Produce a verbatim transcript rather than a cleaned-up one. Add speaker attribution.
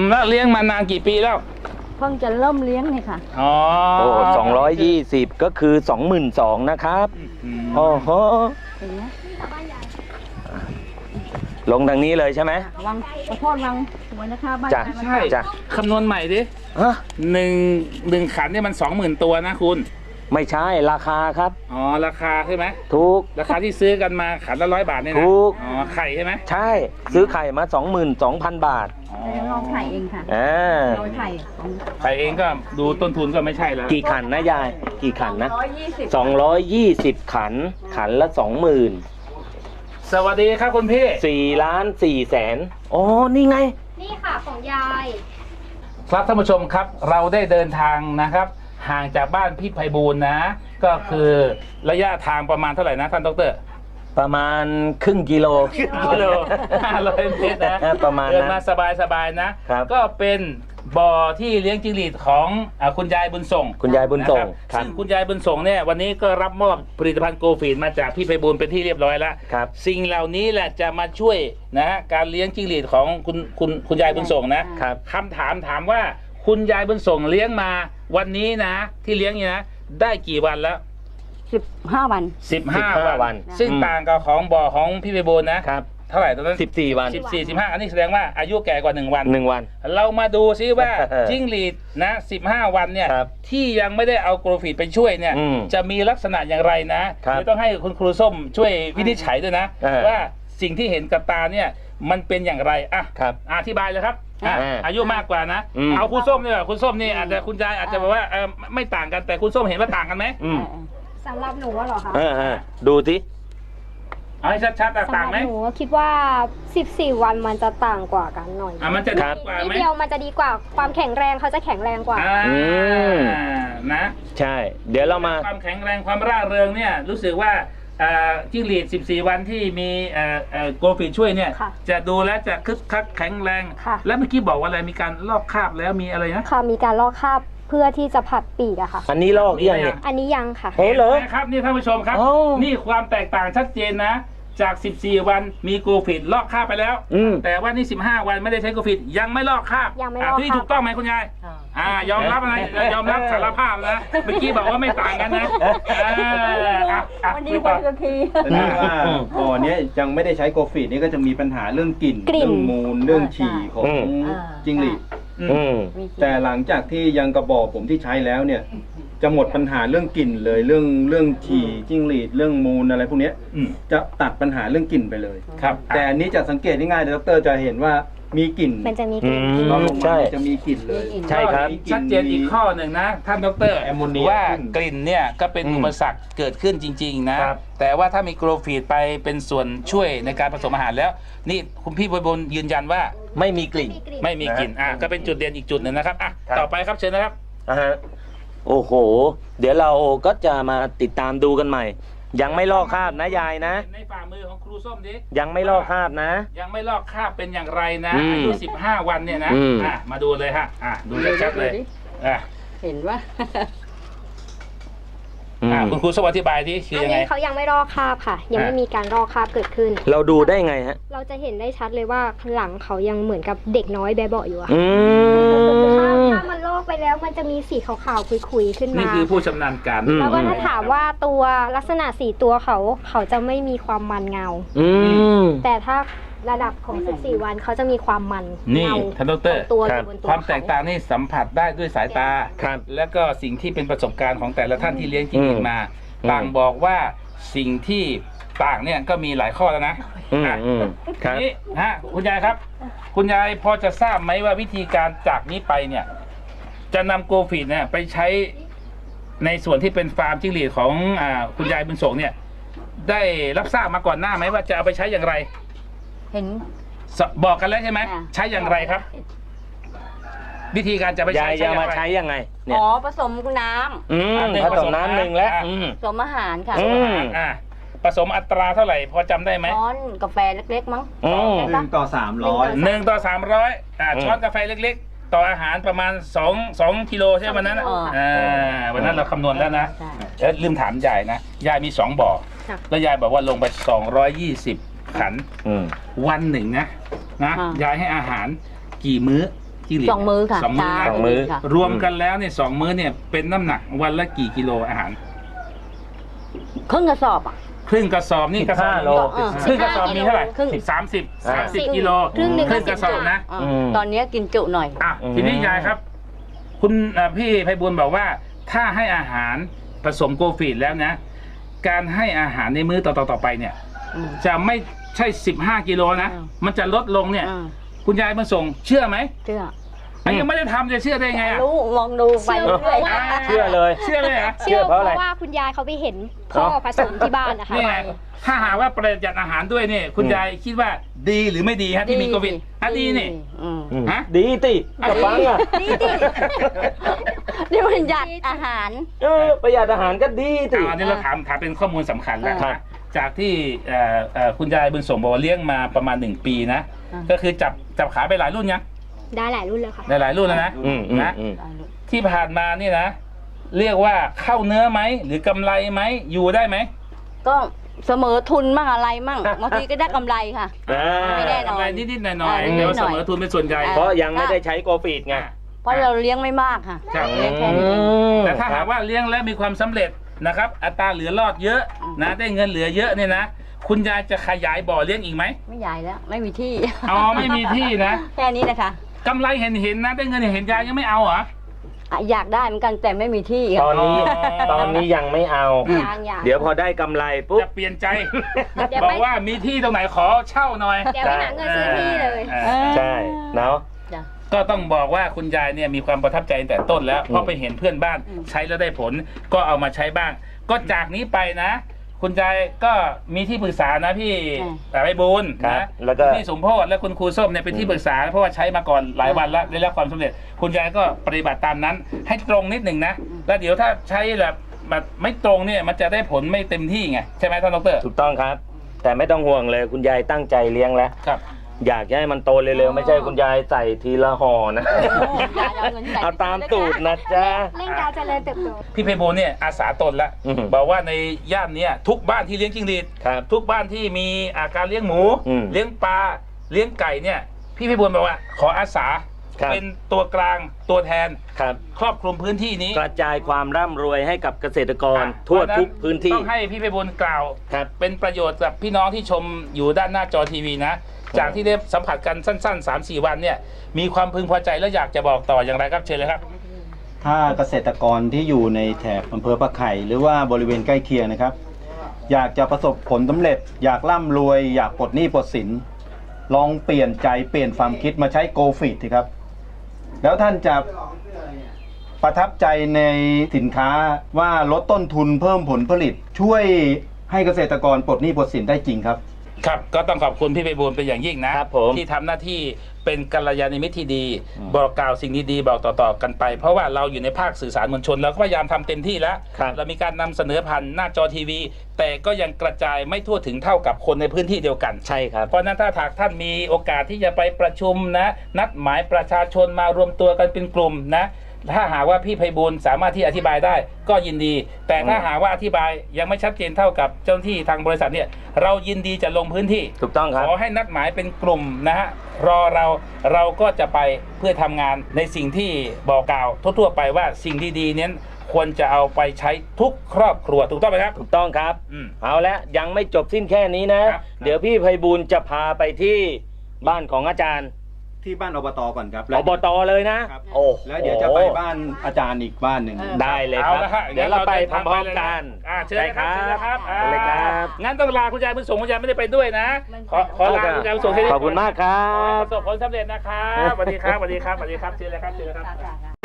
Speaker 1: แล้วเลี้ยงมานานกี่ปีแล้ว
Speaker 2: เพิ่งจะเริ่มเลี้ยงนี่ค่ะ
Speaker 1: อ๋อ
Speaker 3: โอ้สองร้อยยี่สิบก็คือสองหมื่นสองนะครับโอ้โหลงทางนี้เลยใช่ไหม
Speaker 2: วังขอโทษวังสวยนะคะบ้าน
Speaker 3: จ้ะ
Speaker 1: ใช่จ้ะคำนวณใหม่ดิ
Speaker 3: ฮะ
Speaker 1: หนึ่งหนึ่งขันเนี่ยมันสองหมื่นตัวนะคุณ
Speaker 3: ไม่ใช่ราคาครับ
Speaker 1: อ๋อราคาใช่ไหม
Speaker 3: ถูก
Speaker 1: ราคาที่ซื้อกันมาขันละร้อยบาทเนี่ยนะ
Speaker 3: ถูก
Speaker 1: อ๋อไข่ใช่ไหม
Speaker 3: ใช่ซื้อไข่มาสองหมื่นสองพันบาท
Speaker 2: แต่เราไข่เองค่ะ
Speaker 3: อ่า
Speaker 2: เราไข่
Speaker 1: ไข่เองก็ดูต้นทุนก็ไม่ใช่แล้ว
Speaker 3: กี่ขันนะยายกี่ขันนะ
Speaker 2: ร้อยยี่สิบ
Speaker 3: สองร้อยยี่สิบขันขันละสองหมื่น
Speaker 1: สวัสดีครับคุณพี่
Speaker 3: สี่ล้านสี่แสนอ๋อนี่ไง
Speaker 4: นี่ค่ะของยาย
Speaker 1: ครับท่านผู้ชมครับเราได้เดินทางนะครับห่างจากบ้านพี่ไพบูลย์นะก็คือระยะทางประมาณเท่าไหร่นะท่านดร.
Speaker 3: ประมาณครึ่งกิโล
Speaker 1: ครึ่งกิโลห้าร้อยเมตรนะ
Speaker 3: ประมาณนั้น
Speaker 1: เดินมาสบายๆนะครับก็เป็นบ่อที่เลี้ยงจิ้งหรีดของอ่าคุณยายบุญส่ง
Speaker 3: คุณยายบุญส่ง
Speaker 1: ครับซึ่งคุณยายบุญส่งเนี่ยวันนี้ก็รับมอบผลิตภัณฑ์โกฟีดมาจากพี่ไพบูลย์เป็นที่เรียบร้อยแล้ว
Speaker 3: ครับ
Speaker 1: สิ่งเหล่านี้แหละจะมาช่วยนะฮะการเลี้ยงจิ้งหรีดของคุณคุณคุณยายบุญส่งนะครับคำถามถามว่าคุณยายบุญส่งเลี้ยงมาวันนี้นะที่เลี้ยงนี่นะได้กี่วันแล้ว
Speaker 2: สิบห้าวัน
Speaker 1: สิบห้าวันซึ่งต่างกับของบ่อของพี่ไพบูลย์นะครับเท่าไหร่ตอนนั้น
Speaker 3: สิบสี่วัน
Speaker 1: สิบสี่ สิบห้าอันนี้แสดงว่าอายุแก่กว่าหนึ่งวัน
Speaker 3: หนึ่งวัน
Speaker 1: เรามาดูซิว่าจิ้งหรีดนะสิบห้าวันเนี่ยที่ยังไม่ได้เอาโกรฟีดไปช่วยเนี่ยจะมีลักษณะอย่างไรนะเดี๋ยวต้องให้คุณครูส้มช่วยวินิจฉัยด้วยนะว่าสิ่งที่เห็นกับตาเนี่ยมันเป็นอย่างไรอ่ะอธิบายเลยครับอายุมากกว่านะเอาคุณส้มเนี่ยคุณส้มนี่อาจจะคุณยายอาจจะบอกว่าเออไม่ต่างกันแต่คุณส้มเห็นว่าต่างกันไหม
Speaker 4: สำหรับหนูว่าหรอคะ
Speaker 3: ดูสิ
Speaker 1: เอาให้ชัดๆต่างไหม
Speaker 4: หนูคิดว่าสิบสี่วันมันจะต่างกว่ากันหน่อย
Speaker 1: อ่ะมันจะดีกว่าไหม
Speaker 4: นิดเดียวมันจะดีกว่าความแข็งแรงเขาจะแข็งแรงกว่า
Speaker 1: อืมนะ
Speaker 3: ใช่เดี๋ยวเรามา
Speaker 1: ความแข็งแรงความร่าเริงเนี่ยรู้สึกว่าจิ้งหรีดสิบสี่วันที่มีโกลฟีดช่วยเนี่ยจะดูแลจะคึกคักแข็งแรงแล้วเมื่อกี้บอกว่าอะไรมีการลอกคราบแล้วมีอะไรนะ
Speaker 4: ค่ะมีการลอกคราบเพื่อที่จะผัดปีกอะค่ะ
Speaker 3: อันนี้ลอกยังเนี่ย
Speaker 4: อันนี้ยังค่ะ
Speaker 3: เฮ้ยเหรอ
Speaker 1: ครับนี่ท่านผู้ชมครับนี่ความแตกต่างชัดเจนนะจากสิบสี่วันมีโกลฟีดลอกคราบไปแล้วแต่ว่านี่สิบห้าวันไม่ได้ใช้โกลฟีดยังไม่ลอกคราบ
Speaker 4: ยังไม่ลอก
Speaker 1: ที่ถูกต้องไหมคุณยายอ่ายอมรับอะไรยอมรับสารภาพนะเมื่อกี้บอกว่าไม่ต่างกันนะ
Speaker 2: วันนี้วันก็ที
Speaker 5: แสดงว่าบ่อนี้ยังไม่ได้ใช้โกลฟีดนี่ก็จะมีปัญหาเรื่องกลิ่นเรื่องมูลเรื่องฉี่ของจิ้งหรีดแต่หลังจากที่ยังกระบอกผมที่ใช้แล้วเนี่ยจะหมดปัญหาเรื่องกลิ่นเลยเรื่องเรื่องฉี่จิ้งหรีดเรื่องมูลอะไรพวกนี้จะตัดปัญหาเรื่องกลิ่นไปเลย
Speaker 1: ครับ
Speaker 5: แต่อันนี้จะสังเกตง่ายๆดร.จะเห็นว่ามีกลิ่น
Speaker 4: มันจะมีกลิ่น
Speaker 3: ใช่
Speaker 5: จะมีกลิ่นเลย
Speaker 3: ใช่ครับ
Speaker 1: ชัดเจนอีกข้อหนึ่งนะท่านดร.ว่ากลิ่นเนี่ยก็เป็นอุปสรรคเกิดขึ้นจริงๆนะแต่ว่าถ้ามีโกลฟีดไปเป็นส่วนช่วยในการผสมอาหารแล้วนี่คุณพี่บุญยืนยันว่า
Speaker 3: ไม่มีกลิ่น
Speaker 1: ไม่มีกลิ่นอ่ะก็เป็นจุดเด่นอีกจุดหนึ่งนะครับอ่ะต่อไปครับเชิญนะครับ
Speaker 3: อ่าฮะโอ้โหเดี๋ยวเราก็จะมาติดตามดูกันใหม่ยังไม่ลอกคราบนะยายนะ
Speaker 1: ในฝ่ามือของครูส้มดิ
Speaker 3: ยังไม่ลอกคราบนะ
Speaker 1: ยังไม่ลอกคราบเป็นอย่างไรนะอายุสิบห้าวันเนี่ยนะอ่ะมาดูเลยฮะอ่ะดูชัดๆเลยอ่ะ
Speaker 2: เห็นว่า
Speaker 1: อ่าคุณครูสวัสดิ์อธิบายที่คือยังไง
Speaker 4: เขายังไม่ลอกคราบค่ะยังไม่มีการลอกคราบเกิดขึ้น
Speaker 3: เราดูได้ไงฮะ
Speaker 4: เราจะเห็นได้ชัดเลยว่าหลังเขายังเหมือนกับเด็กน้อยแบบเบาะอยู่อะถ้ามันลอกไปแล้วมันจะมีสีขาวๆคุยๆขึ้นมา
Speaker 1: นี่คือผู้ชำนาญการ
Speaker 4: แล้วก็ถ้าถามว่าตัวลักษณะสีตัวเขาเขาจะไม่มีความมันเงาแต่ถ้าระดับของสิบสี่วันเขาจะมีความมัน
Speaker 1: นี่ท่านดร.
Speaker 4: ตัว
Speaker 1: ความแตกต่างนี่สัมผัสได้ด้วยสายตาและก็สิ่งที่เป็นประสบการณ์ของแต่ละท่านที่เลี้ยงจิ้งหรีดมาต่างบอกว่าสิ่งที่ต่างเนี่ยก็มีหลายข้อแล้วนะนี่ฮะคุณยายครับคุณยายพอจะทราบไหมว่าวิธีการจากนี้ไปเนี่ยจะนำโกลฟีดเนี่ยไปใช้ในส่วนที่เป็นฟาร์มจิ้งหรีดของอ่าคุณยายบุญส่งเนี่ยได้รับทราบมาก่อนหน้าไหมว่าจะเอาไปใช้อย่างไร
Speaker 2: เห็น
Speaker 1: บอกกันแล้วใช่ไหมใช้อย่างไรครับวิธีการจะไปใช้
Speaker 3: จะมาใช้ยังไง
Speaker 2: อ๋อผสมน้
Speaker 3: ำผสมน้ำหนึ่งแล้ว
Speaker 2: ผสมอาหารค่ะ
Speaker 1: ผสมอัตราเท่าไหร่พอจำได้ไหม
Speaker 2: ช้อนกาแฟเล็กๆมั้ง
Speaker 5: หนึ่งต่อสามร้อย
Speaker 1: หนึ่งต่อสามร้อยช้อนกาแฟเล็กๆต่ออาหารประมาณสองสองกิโลใช่ไหมวันนั้นวันนั้นเราคำนวณแล้วนะแล้วลืมถามยายนะยายมีสองบ่อแล้วยายบอกว่าลงไปสองร้อยยี่สิบขันวันหนึ่งนะนะยายให้อาหารกี่มื้อจิ้งหรีด
Speaker 2: สองมื้อค่ะ
Speaker 1: สองมื้อ
Speaker 2: เช้า
Speaker 1: นะ
Speaker 3: สองมื้อ
Speaker 2: ค่ะ
Speaker 1: รวมกันแล้วเนี่ยสองมื้อเนี่ยเป็นน้ำหนักวันละกี่กิโลอาหาร
Speaker 2: ครึ่งกระสอบอ่ะ
Speaker 1: ครึ่งกระสอบนี่กระสอบ
Speaker 3: สิบห้าโล
Speaker 2: เออ
Speaker 1: ครึ่งกระสอบมีเท่าไหร่
Speaker 2: ครึ่ง
Speaker 1: สามสิบสามสิบ
Speaker 4: อ่า
Speaker 1: กิโล
Speaker 4: ครึ่งหนึ่ง
Speaker 1: ครึ่งกระสอบนะ
Speaker 2: อ่า
Speaker 3: อืม
Speaker 2: ตอนนี้กินจุหน่อย
Speaker 1: อ่ะ
Speaker 3: อืม
Speaker 1: ทีนี้ยายครับ คุณอ่ะพี่ไพบูลย์บอกว่า ถ้าให้อาหารผสมโกฟีดแล้วนะ การให้อาหารในมื้อต่อๆต่อไปเนี่ย
Speaker 2: อืม
Speaker 1: จะไม่ใช่สิบห้ากิโลนะ
Speaker 2: อืม
Speaker 1: มันจะลดลงเนี่ย
Speaker 2: อ่า
Speaker 1: คุณยายมาส่งเชื่อไหม
Speaker 2: เชื่อ
Speaker 1: อันยังไม่ได้ทำจะเชื่อได้ไงอ่ะ
Speaker 2: รู้มองดูไป
Speaker 4: เชื่อ
Speaker 2: เรื่อย
Speaker 4: เพราะว่า
Speaker 1: อ่า
Speaker 3: เชื่อเลย
Speaker 1: เชื่อเลยเหรอ
Speaker 3: เชื่
Speaker 4: เชื่
Speaker 3: อ
Speaker 4: อ
Speaker 3: เพ
Speaker 4: เพ
Speaker 3: ราะ
Speaker 4: ราะ
Speaker 3: อะไร
Speaker 4: ว่าคุณยายเขาไปเห็นพ่อ
Speaker 3: เอ้า
Speaker 4: ผสมที่บ้านนะคะ
Speaker 1: นี่ไงถ้าหากว่าประหยัดอาหารด้วยเนี่ยคุณ
Speaker 3: อืม
Speaker 1: ยายคิดว่าดีหรือไม่ดีฮะที่มีโควิดอ่ะดีนี่
Speaker 2: อืม
Speaker 3: อืม
Speaker 1: ฮะ
Speaker 3: ดีติกับฟังอ่ะ
Speaker 2: ดีดินี่มันหยัดอาหาร
Speaker 3: เออประหยัดอาหารก็ดีติ
Speaker 1: เอาอันนี้เราถามถามเป็นข้อมูลสำคัญแล้ว
Speaker 3: ครับ
Speaker 1: นะจากที่เอ่อเอ่อคุณยายบุญส่งบอกว่าเลี้ยงมาประมาณหนึ่งปีนะ
Speaker 2: อ่า
Speaker 1: ก็คือจับจับขายไปหลายรุ่นยัง
Speaker 4: ได้หลายรุ่นเลยค่ะ
Speaker 1: ได้หลายรุ่นแล้วนะ
Speaker 3: อืมอืม
Speaker 1: นะ
Speaker 3: อืม
Speaker 1: ที่ผ่านมานี่นะ เรียกว่าเข้าเนื้อไหมหรือกำไรไหมอยู่ได้ไหม
Speaker 2: ก็เสมอทุนมั่งอะไรมั่งบางทีก็ได้กำไรค่ะ
Speaker 3: อ่า
Speaker 2: ไม่แน่นอน
Speaker 1: กำไรนิดๆหน่อย
Speaker 2: อ่า
Speaker 1: ๆแต่ว่า
Speaker 2: นิดๆหน่
Speaker 1: เส
Speaker 2: อย
Speaker 1: มอทุนเป็นส่วนใหญ่
Speaker 2: อ่า
Speaker 3: เพราะยังไม่ได้ใช้โกฟีดไง
Speaker 2: เพราะเราเลี้ยงไม่มากค่ะ
Speaker 1: ครับ
Speaker 2: เลี้ยงแค่นี้เอง
Speaker 1: แต่ถ้าหากว่าเลี้ยงแล้วมีความสำเร็จนะครับ อัตราเหลือรอดเยอะนะได้เงินเหลือเยอะเนี่ยนะ คุณยายจะขยายบ่อเลี้ยงอีกไหม
Speaker 2: ไม่ใหญ่แล้ว ไม่มีที่
Speaker 1: อ๋อไม่มีที่นะ
Speaker 2: แค่นี้นะคะ
Speaker 1: กำไรเห็นเห็นๆนะได้เงินเห็นๆยายยังไม่เอาเหรอ
Speaker 2: อ่ะอยากได้เหมือนกันแต่ไม่มีที่
Speaker 3: ต
Speaker 2: ค่ะ
Speaker 3: อนนี้
Speaker 1: อ๋อ
Speaker 3: ตอนนี้ยังไม่เอา
Speaker 1: อืม
Speaker 4: ยางยาง
Speaker 3: เดี๋ยวพอได้กำไรปุ๊บ
Speaker 1: จะเปลี่ยนใจ
Speaker 4: เดี๋ยว
Speaker 1: บ
Speaker 4: ไป
Speaker 1: อกว่ามีที่ตรงไหนขอเช่าหน่อย
Speaker 4: เดี๋ยวไปหาเงินซื้อที่เลย
Speaker 1: ออ
Speaker 3: ใช่เนาะ
Speaker 2: จ้ะ
Speaker 1: ก็ต้องบอกว่าคุณยายเนี่ยมีความประทับใจตั้งแต่ต้นแล้ว เพราะไปเห็นเพื่อนบ้าน
Speaker 2: อืม
Speaker 1: ใช้แล้วได้ผล ก็เอามาใช้บ้าง ก็จากนี้ไปนะ คุณยายก็มีที่ปรึกษานะพี่ไพบูลย์
Speaker 3: ครับ
Speaker 1: นะ
Speaker 3: แล้วก็
Speaker 1: พี่สมโพธและคุณครูส้มเนี่ยเป็นที่ปรึกษาเพราะว่าใช้มาก่อนหลายวันแล้วได้รับความสำเร็จ คุณยายก็ปฏิบัติตามนั้น ให้ตรงนิดหนึ่งนะ แล้วเดี๋ยวถ้าใช้แบบแบบไม่ตรงเนี่ยมันจะได้ผลไม่เต็มที่ไงใช่ไหมท่านดร
Speaker 3: ถูกต้องครับ แต่ไม่ต้องห่วงเลยคุณยายตั้งใจเลี้ยงแล้ว
Speaker 1: ครับ
Speaker 3: อยากให้มันโตเร็วๆไม่ใช่คุณยายใส่ทีละห่อนะ
Speaker 2: ยายเอาเงินใส่
Speaker 3: เอาตามตูดนะจ๊ะ
Speaker 4: เร่งการเจริญเติบโต
Speaker 1: พี่ไพบูลย์เนี่ยอาสาตนละ
Speaker 3: อืม
Speaker 1: บอกว่าในย่านเนี้ยทุกบ้านที่เลี้ยงจิ้งหรีด
Speaker 3: ครับ
Speaker 1: ทุกบ้านที่มีอาการเลี้ยงหมู
Speaker 3: อืม
Speaker 1: เลี้ยงปลาเลี้ยงไก่เนี่ยพี่ไพบูลย์บอกว่าขออาสา
Speaker 3: ครับ
Speaker 1: เป็นตัวกลางตัวแทน
Speaker 3: ครับ
Speaker 1: ครอบคลุมพื้นที่นี้
Speaker 3: กระจายความร่ำรวยให้กับเกษตรกร
Speaker 1: อ่ะ
Speaker 3: ทั่ว
Speaker 1: เพราะฉะ
Speaker 3: ทุกพื้นที่
Speaker 1: ต้องให้พี่ไพบูลย์กล่าว
Speaker 3: ครับ
Speaker 1: เป็นประโยชน์กับพี่น้องที่ชมอยู่ด้านหน้าจอทีวีนะ จากที่ได้สัมผัสกันสั้นๆ สามสี่ วันเนี่ยมีความพึงพอใจแล้วอยากจะบอกต่ออย่างไรครับเชิญเลยครับ
Speaker 5: ถ้าเกษตรกรที่อยู่ในแถบอำเภอปะไข่หรือว่าบริเวณใกล้เคียงนะครับ อยากจะประสบผลสำเร็จ อยากร่ำรวย อยากปลดหนี้ปลดสิน ลองเปลี่ยนใจเปลี่ยนความคิดมาใช้โกฟีดสิครับ แล้วท่านจะประทับใจในสินค้าว่าลดต้นทุนเพิ่มผลผลิต ช่วยให้เกษตรกรปลดหนี้ปลดสินได้จริงครับ
Speaker 1: ครับก็ต้องขอบคุณพี่ไพบูลย์เป็นอย่างยิ่งนะครับ
Speaker 3: ผม
Speaker 1: ที่ทำหน้าที่เป็นกัลยาณมิตรที่ดี บอกกล่าวสิ่งดีๆบอกต่อๆกันไป เพราะว่าเราอยู่ในภาคสื่อสารมวลชนเราก็พยายามทำเต็มที่แล้ว
Speaker 3: ครับ
Speaker 1: เรามีการนำเสนอผ่านหน้าจอทีวี แต่ก็ยังกระจายไม่ทั่วถึงเท่ากับคนในพื้นที่เดียวกัน
Speaker 3: ใช่ครับ
Speaker 1: เพราะฉะนั้นถ้าหากท่านมีโอกาสที่จะไปประชุมนะนัดหมายประชาชนมารวมตัวกันเป็นกลุ่มนะถ้าหากว่าพี่ไพบูลย์สามารถที่อธิบายได้ก็ยินดี แต่ถ้าหากว่าอธิบายยังไม่ชัดเจนเท่ากับเจ้าหน้าที่ทางบริษัทเนี่ยเรายินดีจะลงพื้นที่
Speaker 3: ถูกต้องครับ
Speaker 1: ขอให้นัดหมายเป็นกลุ่มนะฮะรอเราเราก็จะไปเพื่อทำงานในสิ่งที่บอกกล่าวทั่วๆไปว่าสิ่งดีๆเนี้ยควรจะเอาไปใช้ทุกครอบครัวถูกต้องไหมครับ
Speaker 3: ถูกต้องครับ
Speaker 1: อืม
Speaker 3: เอาละยังไม่จบสิ้นแค่นี้นะ
Speaker 1: ครับ
Speaker 3: เดี๋ยวพี่ไพบูลย์จะพาไปที่บ้านของอาจารย์
Speaker 5: ที่บ้านอบตก่อนครับ
Speaker 3: อบตเลยนะ
Speaker 5: ครับ
Speaker 3: โอ้โห
Speaker 5: แล้วเดี๋ยวจะไปบ้านอาจารย์อีกบ้านหนึ่ง
Speaker 3: ได้เลยค
Speaker 1: เอา
Speaker 3: รับ
Speaker 1: ละฮะ
Speaker 3: เดี๋ยวเราไปพ
Speaker 1: งั้น
Speaker 3: ร้อม
Speaker 1: เดิน
Speaker 3: ๆ
Speaker 1: ทาง
Speaker 3: กัน
Speaker 1: ไปเลยนะอ่าเชิญเลยครับเชิญเลยครับ
Speaker 3: เชิญเลยครับ
Speaker 1: งั้นต้องลาคุณยายบุญส่งคุณยายไม่ได้ไปด้วยนะ ขอขอลาคุณยายบุญส่งแค่นี้
Speaker 3: ขอบคุณมากครั
Speaker 1: ขอให้
Speaker 3: บ
Speaker 1: ประสบผลสำเร็จนะครับสวัสดีครับสวัสดีครับสวัสดีครับเชิญเลยครับเชิญเลยครับ
Speaker 2: ค่ะค่ะ